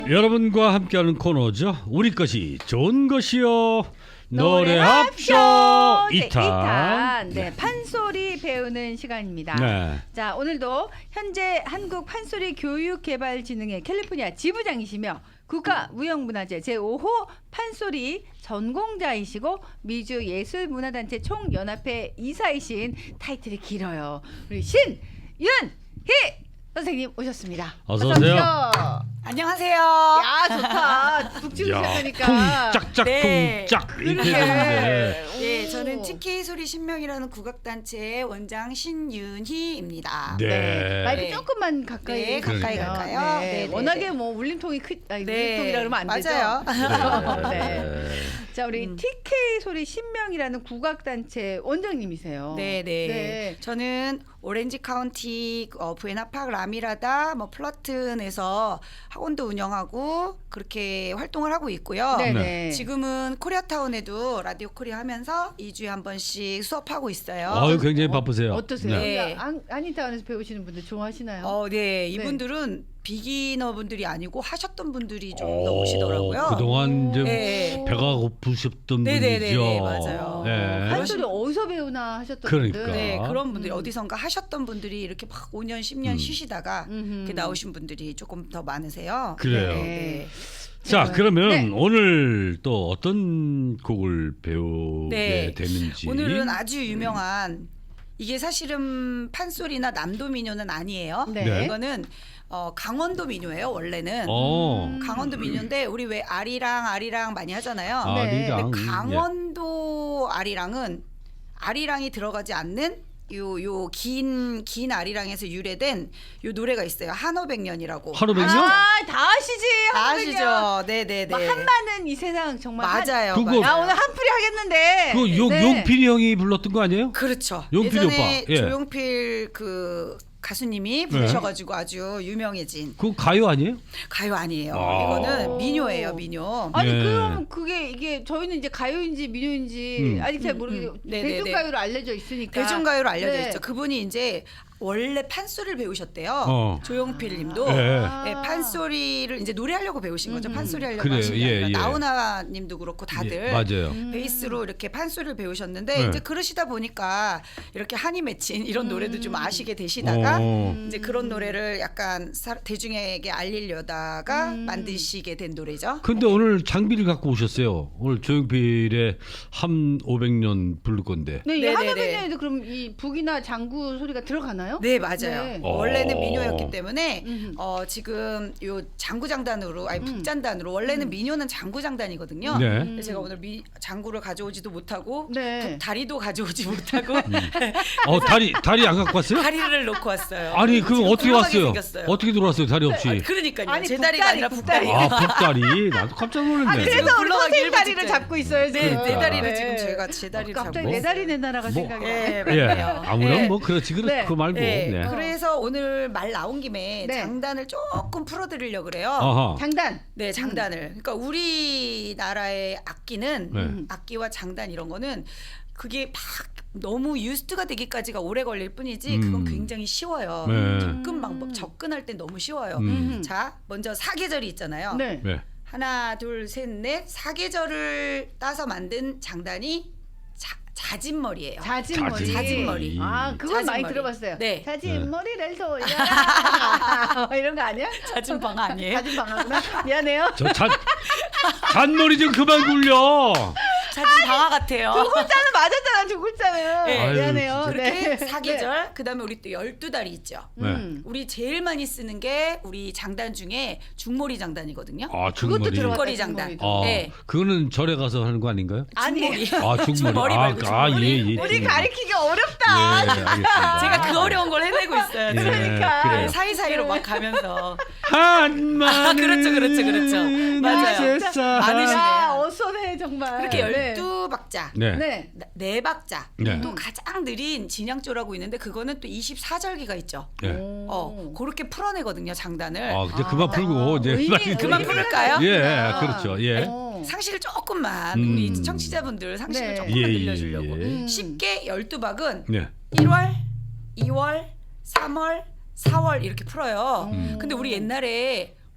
여러분과 함께하는 코너죠. 우리 것이 좋은 것이요. 노래합쇼 2탄. 네, 판소리 배우는 시간입니다. 네. 자, 오늘도 현재 한국 판소리 교육개발진흥회 캘리포니아 지부장이시며 국가무형문화재 제5호 판소리 전공자이시고 미주예술문화단체 총연합회 이사이신, 타이틀이 길어요, 우리 신윤희 선생님 오셨습니다. 어서 오세요. 안녕하세요. 야, 좋다. 북지구 야, 시작하니까. 쿵짝짝 네. 쿵짝 이렇게 그러게. 되는데. 네, 저는 TK 소리 신명이라는 국악단체의 원장 신윤희입니다. 네. 마이크 네. 조금만 가까이 네, 가까이 해주시면. 갈까요? 네, 네, 네, 워낙에 네. 뭐 울림통이 아니, 네, 울림통이라 그러면 안 맞아요. 되죠. 네. 네. 자, 우리 TK 소리 신명이라는 국악단체 원장님이세요. 네, 네. 네. 저는 오렌지 카운티 부에나파크 라미라다 플러튼에서 학원도 운영하고 그렇게 활동을 하고 있고요. 네, 네. 네. 지금은 코리아타운에도 라디오 코리아 하면서 2주에 한 번씩 수업하고 있어요. 아유, 굉장히 바쁘세요. 어떠세요? 네. 아니타운에서 배우시는 분들 좋아하시나요? 네, 이분들은 비기너 분들이 아니고 하셨던 분들이 좀 더 오, 오시더라고요. 그동안 좀 네. 배가 고프셨던 네네네네, 분이죠. 맞아요. 네. 판소리 어디서 배우나 하셨던 그러니까. 분들. 네, 그런 분들이 음. 어디선가 하셨던 분들이 이렇게 막 5년, 10년 쉬시다가 이렇게 나오신 분들이 조금 더 많으세요. 그래요. 네. 자, 그러면 네. 오늘 또 어떤 곡을 배우게 네. 되는지. 오늘은 아주 유명한, 이게 사실은 판소리나 남도 민요는 아니에요. 네. 네. 이거는 강원도 민요예요, 원래는. 강원도 민요인데 우리 왜 아리랑 많이 하잖아요. 네. 아리랑. 근데 강원도 아리랑은 아리랑이 들어가지 않는 요 긴 아리랑에서 유래된 요 노래가 있어요. 한오백년이라고. 한오백년? 다 아시지? 다 한국인이요. 아시죠? 네네네. 막 한마는 이 세상 정말 맞아요. 그거- 야, 오늘 한풀이 하겠는데. 그 용필이 형이 불렀던 거 아니에요? 그렇죠. 용필 예전에 오빠. 예. 조용필 그 가수님이 부르셔가지고 아주 유명해진 그거 가요 아니에요? 가요 아니에요. 아. 이거는 민요예요, 민요. 아니, 예. 그럼 이게 저희는 이제 가요인지 민요인지 아직 잘 모르겠어요. 네네네. 대중가요로 알려져 있으니까. 대중가요로 알려져 네. 있죠. 그분이 이제 원래 판소리를 배우셨대요. 어. 조용필님도 예. 네, 판소리를 이제 노래하려고 배우신 거죠. 판소리 하려고 그래요. 하신 게 아니라 예, 예. 나훈아님도 그렇고 다들 예, 맞아요. 베이스로 이렇게 판소리를 배우셨는데 네. 이제 그러시다 보니까 이렇게 한이 맺힌 이런 노래도 좀 아시게 되시다가 이제 그런 노래를 약간 대중에게 알리려다가 만드시게 된 노래죠. 근데 오늘 장비를 갖고 오셨어요. 오늘 조용필의 한 500년 부를 건데. 네, 이 네네네. 한오백년에도 그럼 이 북이나 장구 소리가 들어가나요? 네, 맞아요. 네. 원래는 어. 민요였기 때문에 지금 요 장구장단으로 아니 북잔단으로 원래는 민요는 장구장단이거든요. 네. 근데 제가 오늘 장구를 가져오지도 못하고 네. 다리도 가져오지 못하고 다리 안 갖고 왔어요? 다리를 놓고 왔어요. 아니, 그럼 지금 어떻게 굴러가게 왔어요? 생겼어요. 어떻게 들어왔어요? 다리 없이. 그러니까요. 아니, 제 다리가 아니라 북다리. 북다리. 아, 북다리. 나도 깜짝 놀랐네. 지금 그래서 우리 굴러가기 선생님 일부 다리를 직전. 잡고 있어요. 네, 지금. 내 다리를 네. 지금 제가 제 다리를 갑자기 잡고. 내 다리 내 나라가 뭐, 생각이 네, 나요. 예, 맞네요. 아무런 네. 뭐 그렇지 네. 그 말고. 네. 네. 그래서 오늘 말 나온 김에 네. 장단을 조금 풀어드리려고 그래요. 아하. 장단. 네, 장단을. 그러니까 우리나라의 악기는 네. 악기와 장단 이런 거는 그게 막 너무 유스트가 되기까지가 오래 걸릴 뿐이지 그건 굉장히 쉬워요. 네. 접근 방법, 접근할 땐 너무 쉬워요. 자, 먼저 사계절이 있잖아요. 네. 네. 하나, 둘, 셋, 넷. 사계절을 따서 만든 장단이 자진머리예요. 자진머리. 자진머리. 아, 그건 많이 자진머리. 들어봤어요. 네. 자진머리를 돌려라. 이런 거 아니야? 자진방 아니에요? 자진방아구나. 미안해요. 저 잔머리 좀 그만 굴려. 자진방아 같아요. 두 글자는 맞았잖아, 두 글자는. 네. 아유, 미안해요. 진짜. 그렇게 네. 사계절, 그다음에 우리 또 12달이 있죠. 네. 우리 제일 많이 쓰는 게 우리 장단 중에 중머리 장단이거든요. 아, 그것도 중머리. 들어갔다. 중거리 장단. 중거리도. 아, 네. 그거는 절에 가서 하는 거 아닌가요? 아니, 아, 중머리. 중머리 말고 중머리. 예, 예. 우리 중머리. 가리키기 어렵다. 예, 알겠습니다. 제가 그 어려운 걸 해내고 있어요. 예, 그러니까. 그래요. 사이사이로 막 가면서. 한마늘 그렇죠. 맞아요. 많으시네요. 야, 어선해 정말. 그렇게 네. 12박자. 네. 네. 네 박자. 네. 또 가장 느린 진양조라고 있는데 그거는 또 24절기가 있죠. 네. 그렇게 풀어내거든요, 장단을. 아, 이제 그만 풀고 이제 의미- 그만 의미가 풀을까요? 예, 있구나. 그렇죠. 예. 상식을 조금만 우리 청취자분들 상식을 네. 조금만 예, 들려주려고. 예. 쉽게 12박은 네. 1월, 2월, 3월, 4월 이렇게 풀어요. 근데 우리 옛날에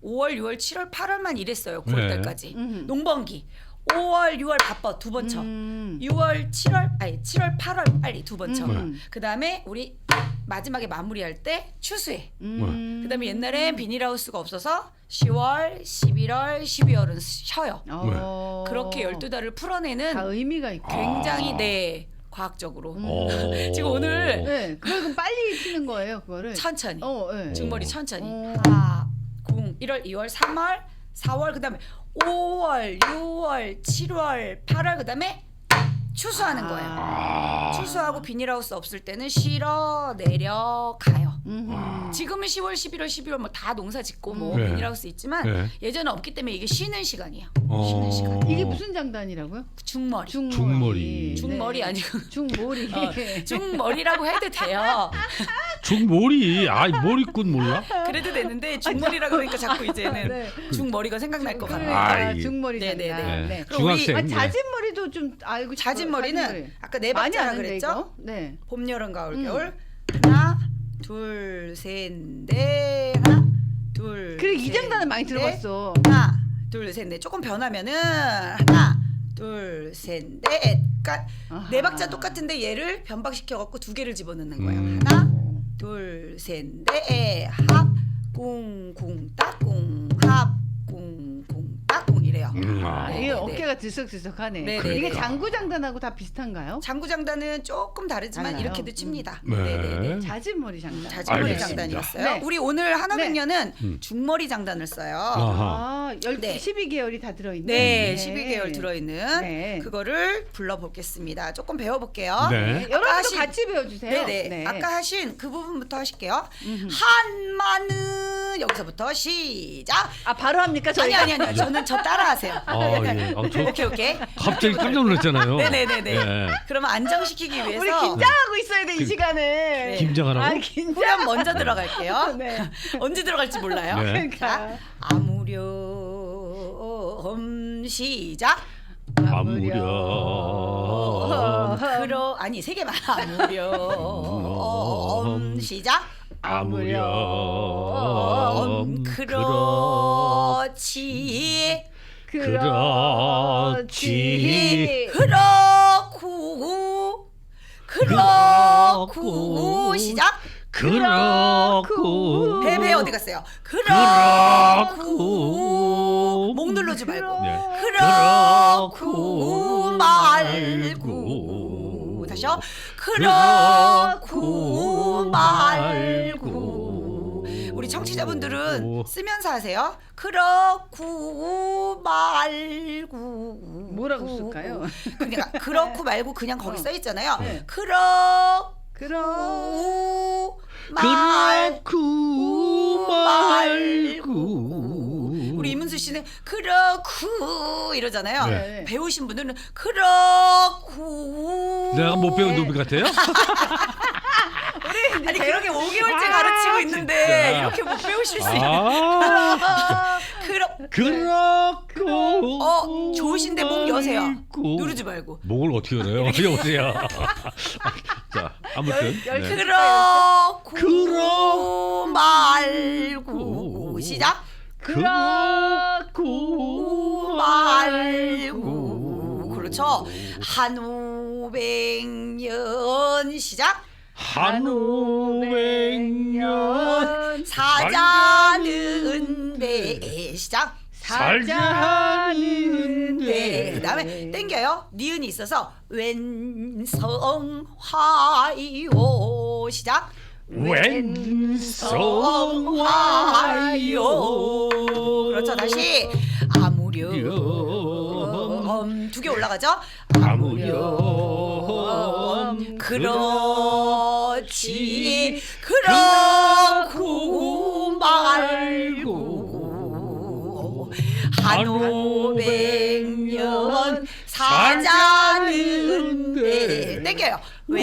5월, 6월, 7월, 8월만 일했어요. 네. 9월 달까지. 농번기. 5월, 6월 바빠 두 번 쳐. 6월, 7월, 8월 빨리 두 번 쳐. 그다음에 우리 마지막에 마무리할 때 추수해. 그다음에 옛날엔 비닐하우스가 없어서 10월, 11월, 12월은 쉬어요. 그렇게 12달을 풀어내는 다 의미가 있고. 굉장히 과학적으로. 지금 오. 오늘 네, 그럼 빨리 치는 거예요, 그거를. 천천히. 네. 중머리 천천히. 오. 1월, 2월, 3월, 4월 그다음에 5월, 6월, 7월, 8월 그다음에 추수하는 거예요. 추수하고 비닐하우스 없을 때는 실어 내려가요. 지금은 10월, 11월, 12월 뭐 다 농사 짓고 뭐 네. 비닐하우스 있지만 네. 예전에 없기 때문에 이게 쉬는 시간이에요. 어. 쉬는 시간. 이게 무슨 장단이라고요? 중머리. 중머리. 중머리 네. 아니고 중머리. 중머리라고 해도 돼요. 중머리. 머리꾼 몰라? 그래도 되는데 중머리라고 그러니까 자꾸 이제는 네. 중머리가 생각날 것 같아요. 그러니까 아이. 중머리 장단. 네네네. 네. 그럼 우리 중학생. 잣진 머리도 좀 알고 싶어요. 잦은 머리는 잣진머리. 아까 네 많이 박자라 아는데, 그랬죠? 이거? 네. 봄, 여름, 가을, 겨울. 하나, 둘, 셋, 넷. 하나, 둘. 그래 이 셋, 장단은 많이 넷. 들어봤어. 하나, 둘, 셋, 넷. 조금 변하면은 하나, 둘, 셋, 넷. 그러니까 아하. 네 박자 똑같은데 얘를 변박시켜 갖고 두 개를 집어넣는 거예요. 하나, 둘, 셋, 넷. 합, 꿍꿍, 따꿍, 합, 꿍꿍, 따꿍 이래요. 이게 네, 네. 어깨가 들썩들썩하네. 네, 이게 네, 네. 장구 장단하고 다 비슷한가요? 장구장단은 조금 다르지만 달라요? 이렇게도 칩니다. 네. 네네네. 잣진 머리 장단. 자진머리 알겠습니다. 장단이었어요. 네. 우리 오늘 한화백년은 중머리 장단을 써요. 아하. 12개월이 다 들어있는. 네, 12개월 들어있는 네. 그거를 불러보겠습니다. 조금 배워볼게요. 네. 여러분도 하신- 같이 배워주세요. 네네. 아까 하신 그 부분부터 하실게요. 한마는 여기서부터 시작. 바로 합니까 저희? 아니. 저는 저 따라하세요. 예. 오케이. 갑자기 깜짝 놀랐잖아요. 네네네네. 예. 그러면 안정시키기 위해서 우리 긴장하고 있어야 돼 이 시간에. 김장하라고? 긴장. 후렴 먼저 들어갈게요. 네. 언제 들어갈지 몰라요. 네. 그러니까. 자, 아무렴 시작. 아무렴. 아니 세 개만. 아무렴 시작. 아무렴. 그렇지. 그렇지. 그렇고 시작. 그렇고. 배 어디 갔어요? 그렇고. 목 누르지 말고. 네. 그렇고 말고. 다시요. 그렇고 말고. 우리 청취자분들은 쓰면서 하세요. 그렇고 말고. 뭐라고 쓸까요? 그러니까 그렇고 말고 그냥 거기 써 있잖아요. 네. 그렇고 말고. 우리 이문수 씨는 그렇고 이러잖아요. 네. 배우신 분들은 그렇고. 내가 못 배운 노비 같아요? 아니 그렇게 5개월째 가르치고 있는데 진짜. 이렇게 못 배우실 수 있는. 그렇고. 좋으신데 목 여세요. 말고. 누르지 말고. 목을 어떻게 열어요? 여보세요. 자, 아무튼. 네. 그렇고 말고 시작. 그렇고 말고. 그렇죠. 한오백년 시작. 한오백년 사자는 배 시작. 살자는데. 그다음에 땡겨요. 니은이 있어서 왼성화요 시작. 왼성화요. 그렇죠. 다시 아무렴 두 개 올라가죠. 아무렴 그렇지 그렇고 말고 한오백년 사자는데 땡겨요.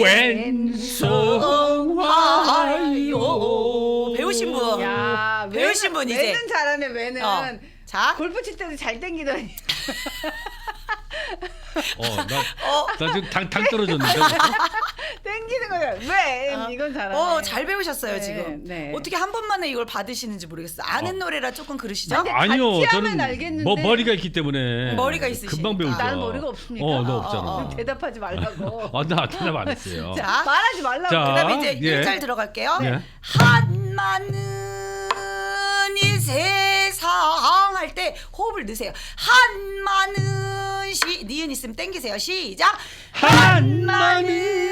왼성화요. 배우신 분. 야, 배우신 분 이제. 외는 잘하네 외는. 자. 골프 칠 때도 잘 땡기더니. 나 지금 당 떨어졌는데. 땡기는 거야. 왜? 이건 잘하네. 잘 배우셨어요 네, 지금. 네. 어떻게 한 번만에 이걸 받으시는지 모르겠어요. 아는 노래라 조금 그러시죠? 근데 아니요, 같이 하면 저는 알겠는데. 머리가 있기 때문에 머리가 있으시니까. 금방 배우죠. 나는 머리가 없습니까? 너 없잖아. 그럼 대답하지 말라고. 나 대답 안 했어요. 자, 말하지 말라고. 자, 그다음에 이제 예. 1절 들어갈게요. 예. 한마는 이 세상 할 때 호흡을 넣으세요. 한마는 니은 있으면 땡기세요. 시작. 한마는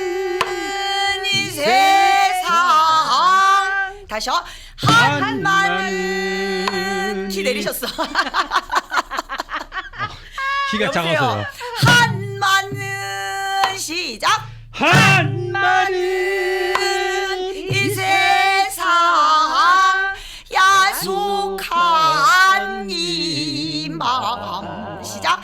이 세상 다시요. 한마는 키 내리셨어. 키가 여보세요? 작아서요. 한마는 시작. 한마는 이 세상 야속한 이 마음 시작.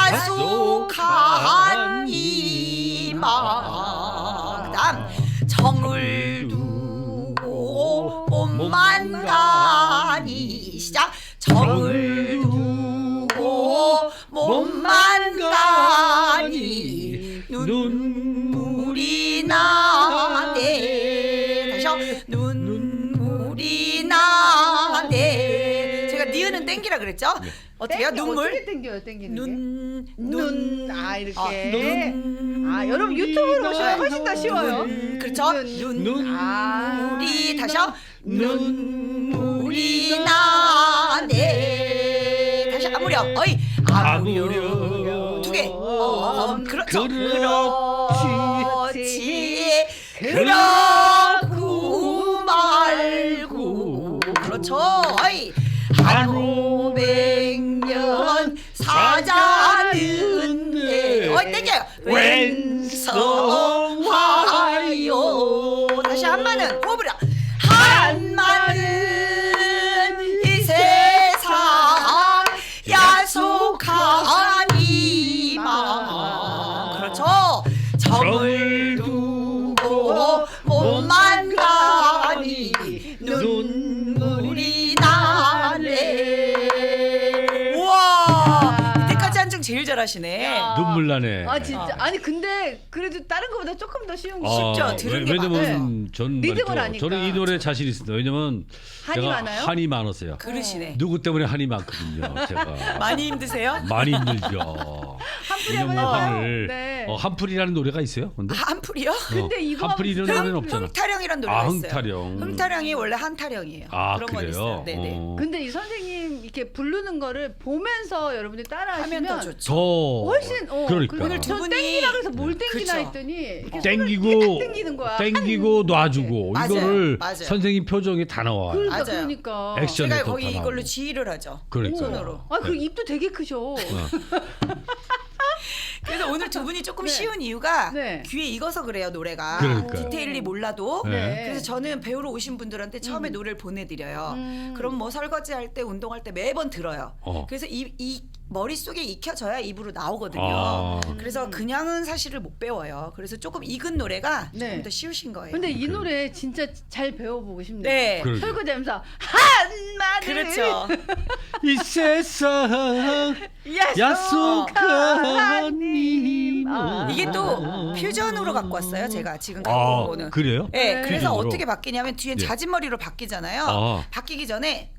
야속한 이 마음. 그다음 정을 두고 몸만 가니 시작. 정을 두고 몸만 가니 눈물이 나네. 다시요. 눈물이 나네. 제가 니은은 땡기라 그랬죠? 어떻게요? 눈물. 어떻게 땡겨요? 땡기는 게? 눈. 이렇게. 여러분 유튜브로 보시면 훨씬 더 쉬워요. 그렇죠? 눈물이 다시요. 눈물이 나네. 다시 아무려. 어이. 아무려. 두 개. 그렇죠. 그렇지. 그렇고 말고. 그렇죠. 어이. 한 500년 사자는데. 어이 땡겨요. 왼성하여. 다시 한마는 호흡을. 한마는 이 세상 야속한 이 마음. 그렇죠. 정을 두고 몸만 가니 눈물이 나네. 우와, 이때까지 한 장 제일 잘하시네. 눈물 나네. 진짜. 아니 근데 그래도 다른 거보다 조금 더 쉬운 게 쉽죠. 들은 게 왜냐면 저는 리듬을 말이죠. 아니까. 저는 이 노래 자신 있습니다. 왜냐면 한이 제가 많아요? 한이 많았어요. 그러시네. 누구 때문에 한이 많거든요. 제가 많이 힘드세요? 많이 힘들죠. 한풀이 왜냐면 한번 해봐요. 한을 네. 한풀이라는 노래가 있어요. 근데 한풀이요? 근데 이거 한풀이 이런 노래는 하면 없잖아. 흥타령이란 노래가 있어요. 흥타령. 흥타령이 원래 한타령이에요. 그런 건 그래요? 있어요. 네네. 근데 이 선생님 이렇게 부르는 거를 보면서 여러분들이 따라하시면 하면 더 좋죠. 더 훨씬 그러니까 오늘 두 저 분이- 땡기라 그래서 뭘 땡기나 그쵸. 했더니 이렇게 땡기고 손을 이렇게 딱 땡기는 거야. 땡기고 놔주고 맞아요. 이거를 맞아요. 선생님 표정이 다 나와요. 그러니까 맞아요. 그러니까. 액션. 제가 또 거기 다 이걸로 나오고. 지휘를 하죠. 그러니까요. 손으로. 그 입도 되게 크셔. 그래서 오늘 두 분이 조금 네. 쉬운 이유가 네. 귀에 익어서 그래요, 노래가. 그러니까요. 디테일이 몰라도. 네. 그래서 저는 배우러 오신 분들한테 처음에 노래를 보내드려요. 그럼 뭐 설거지할 때, 운동할 때 매번 들어요. 그래서 이 머릿속에 익혀져야 입으로 나오거든요. 그래서 그냥은 사실을 못 배워요. 그래서 조금 익은 노래가 네. 조금 더 쉬우신 거예요. 근데 이 노래 진짜 잘 배워보고 싶네요. 네. 그러죠. 설거지하면서 한마디 그렇죠. 이 세상 야속한 이 마음. 이게 또 퓨전으로 갖고 왔어요. 제가 지금 갖고 온 거는. 그래요? 네, 네. 그래서 퓨전으로? 어떻게 바뀌냐면 뒤엔 네. 자진머리로 바뀌잖아요. 아. 바뀌기 전에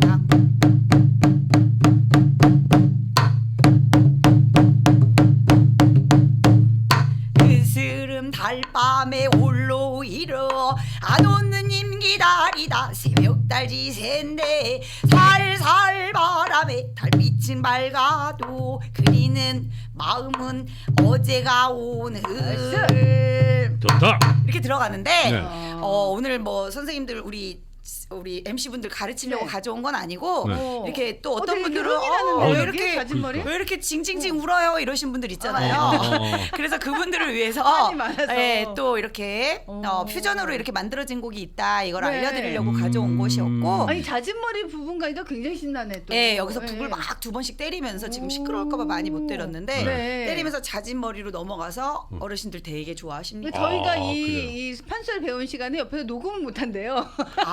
그스름 달밤에 홀로 일어 안 오는 님 기다리다 새벽달지 샌데 살살 바람에 달빛은 밝아도 그리는 마음은 어제가 오는 좋다. 이렇게 들어가는데 네. 오늘 뭐 선생님들 우리 MC분들 가르치려고 네. 가져온 건 아니고 네. 이렇게 또 어떤 되게 분들은 흥이 나는데요, 왜 여기? 이렇게 자진머리? 왜 이렇게 징징징 울어요 이러신 분들 있잖아요. 그래서 그분들을 위해서 한이 많아서. 또 이렇게 퓨전으로 이렇게 만들어진 곡이 있다. 이걸 네. 알려드리려고 가져온 곳이었고 아니 자진머리 부분 가니까 굉장히 신나네 또. 네, 여기서 네. 북을 막 두 번씩 때리면서 지금 시끄러울까봐 많이 못 때렸는데 네. 때리면서 자진머리로 넘어가서 어르신들 되게 근데 좋아하십니다. 저희가 그래요? 이 판소리 배운 시간에 옆에서 녹음을 못 한대요. 아,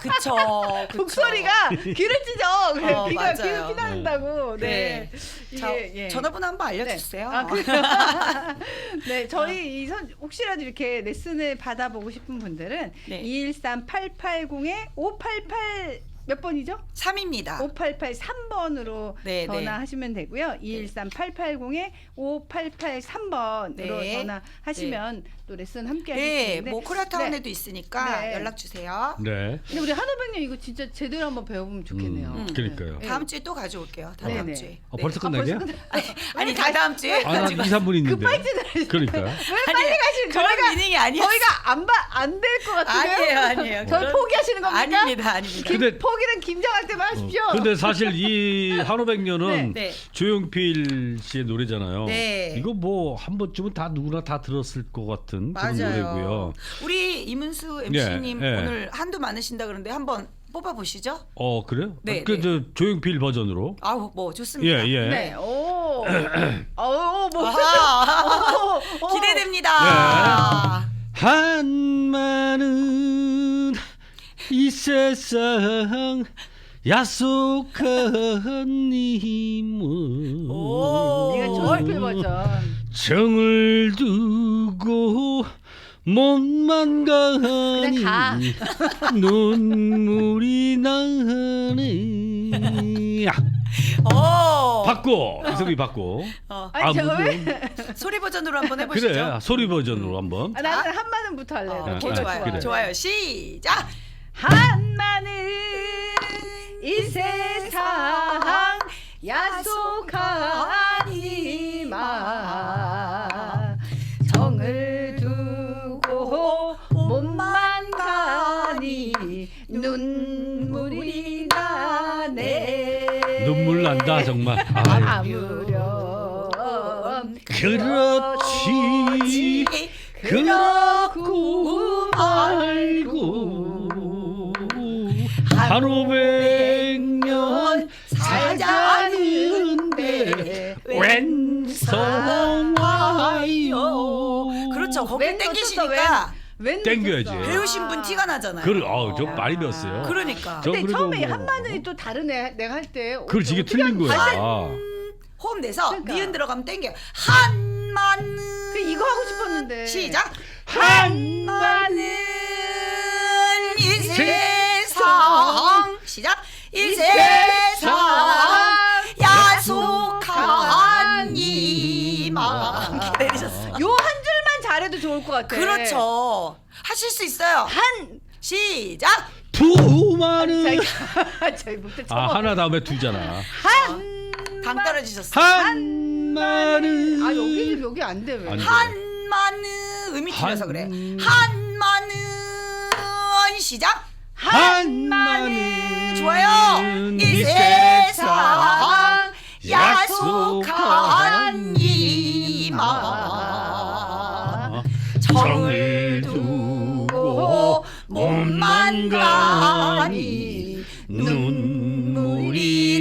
그쵸. 목소리가 귀를 찢어. 그래, 어, 귀가 맞아요. 귀를 피난다고. 네. 자, 예. 전화번호 한번 알려주세요. 아, 네, 저희 혹시라도 이렇게 레슨을 받아보고 싶은 분들은 네. 213-880에 588 몇 번이죠? 3입니다. 5883번으로 네, 전화하시면 되고요. 213-880에 5883번으로 네. 전화하시면 또 레슨 함께 하실 수 네, 있는데 뭐 코리아타운에도 네. 있으니까 네. 연락 주세요. 네. 근데 우리 한호백님 이거 진짜 제대로 한번 배워보면 좋겠네요. 그러니까요. 네. 다음 주에 또 가져올게요. 다음 네네. 주에. 벌써 아, 끝나냐? 아니 다다음 주에. 아, 한 2, 3분 있는데. 급발진을 그러니까요. 왜 빨리 가시는 그런 저희가 미닝이 아니었어요. 저희가 안될 것 같은데요? 아니에요. 저희 그런- 포기하시는 겁니까? 아닙니다. 근데- 포기는 김장할 때만 하십시오. 근데 사실 이 한오백년은 네. 조용필 씨의 노래잖아요. 네. 이거 뭐 한 번쯤은 다 누구나 다 들었을 것 같은 그런 노래고요. 우리 이문수 MC님 예. 오늘 한도 많으신다 그런데 한번 뽑아보시죠. 그래요? 네, 그 네. 저 조용필 버전으로. 아우 뭐 좋습니다. 예, 예. 네, 오, 뭐 아하. 오. 기대됩니다. 한마는 이 세상 야속한 님은 오. 이거 조용필 버전. 정을 두고 몸만 가니 가. 눈물이 나네. 오. 받고 이소리 받고. 아니 제가 왜? 소리 버전으로 한번 해보시죠. 그래 소리 버전으로 한번. 나는 한마는부터 할래요. 오케이, 네, 좋아요. 그래. 좋아요. 시작. 한마는 이 세상 야속하니만 정을 두고 몸만 가니 눈물이 나네. 눈물 난다 정말. 아유. 아무렴 그렇지 그렇고 말고 한 500년 살자는데 웬성와요. 그렇죠. 거기 웬 땡기시니까 웬 땡겨야지. 놓쳤어? 배우신 분 티가 나잖아요. 저 많이 배웠어요. 그러니까. 저 근데 그래도 처음에 뭐- 한마늘이 또 다르네. 내가 할 때. 그렇지 이게 틀린 거야. 호흡 내서 그러니까. 니은 들어가면 땡겨. 한마늘. 그 이거 하고 싶었는데. 시작. 한마늘 이 세상. 시작. 이 세상 야속한 이만. 기다리셨어요. 요 한 줄만 잘해도 좋을 것 같아. 그렇죠. 하실 수 있어요. 한. 시작. 두마는 저희 목대 하나 다음에 두잖아. 당 떨어지셨어요. 한마는 여기 안 돼 왜? 안 돼. 한마늘 음이 틀려서 그래. 한마늘 시작. 한마는 좋아요. 이 세상 야속한 이만 정을 두고 몸만 가니 눈물이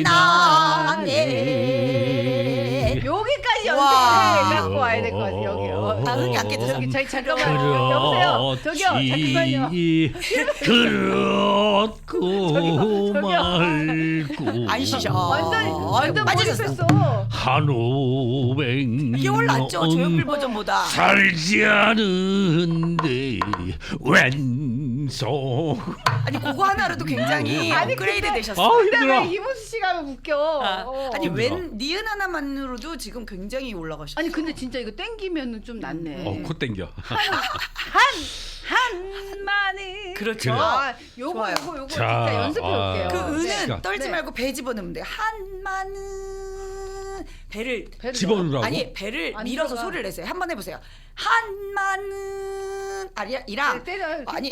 나네. 여기까지 와. 연습해 갖고 와야 될 것 같아 여기요. 아, 흥이 안 깨졌어. 저기 잠깐만요. 여보세요. 저기요. 잠깐만요. 그렇고 말고 안 쉬셔. 완전 빠지셨어. 몰입했어. 한 500년 이게 올랐죠. 조용필 버전보다. 살지 않은데 왼손 아니 그거 하나로도 굉장히 아니, 업그레이드 근데- 되셨어요. 근데 힘들어. 왜 이문수 씨가 하면 웃겨? 아니 힘들어. 웬 니은 하나만으로도 지금 굉장히 올라가셨어요. 아니 근데 진짜 이거 땡기면은 좀 낫네. 코 땡겨 한마늘. 그렇죠. 요거 좋아요. 요거 자, 진짜 연습해 올게요. 그 은은 네. 떨지 네. 말고 배 집어넣으면 돼요. 한마는 배를 집어넣으라고? 아니 배를 안 밀어서 들어가. 소리를 내세요. 한번 해보세요. 한마는 이랑 때려. 아니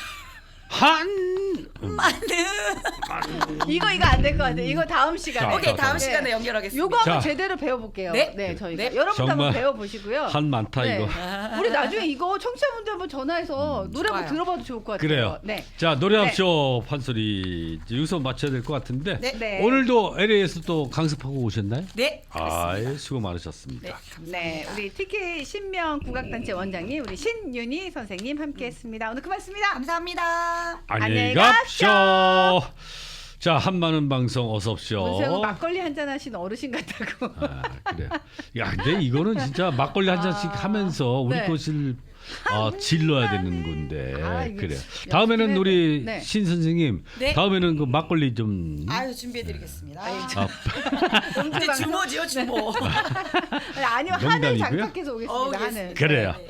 한 마는 이거 안 될 것 같아. 이거 다음 시간에. 자, 오케이 다음 자. 시간에 연결하겠습니다. 요거 한번 자. 제대로 배워볼게요. 네. 저희가 네. 여러분도 한번 정말 배워보시고요. 한 많다 네. 이거. 우리 나중에 이거 청취자분들 한번 전화해서 노래 한번 좋아요. 들어봐도 좋을 것 같아요. 그래요. 네. 자 노래합쇼 판소리 이제 여기서 맞춰야 될 것 같은데 네. 네. 오늘도 LA에서 또 강습하고 오셨나요? 네. 아, 수고 많으셨습니다. 네. 네, 우리 TK 신명 국악단체 원장님 우리 신윤희 선생님 함께했습니다. 오늘 고맙습니다. 감사합니다. 안녕히 안녕히 갑시다. 쇼. 자, 한마는 방송 어서 오십시오. 문세영 막걸리 한잔 하신 어르신 같다고. 아, 그래. 야, 근데 이거는 진짜 막걸리 한 잔씩 하면서 우리 네. 것을 질러야 되는 건데. 아, 이거 그래. 연습 다음에는 좀 우리 네. 신 선생님, 네. 다음에는 그 막걸리 좀. 아유 준비해드리겠습니다. 아, 이제 주모지요 주모. 아니요 하늘 농담이고요. 장착해서 오겠습니다. 어우, 하늘. 그래요. 네.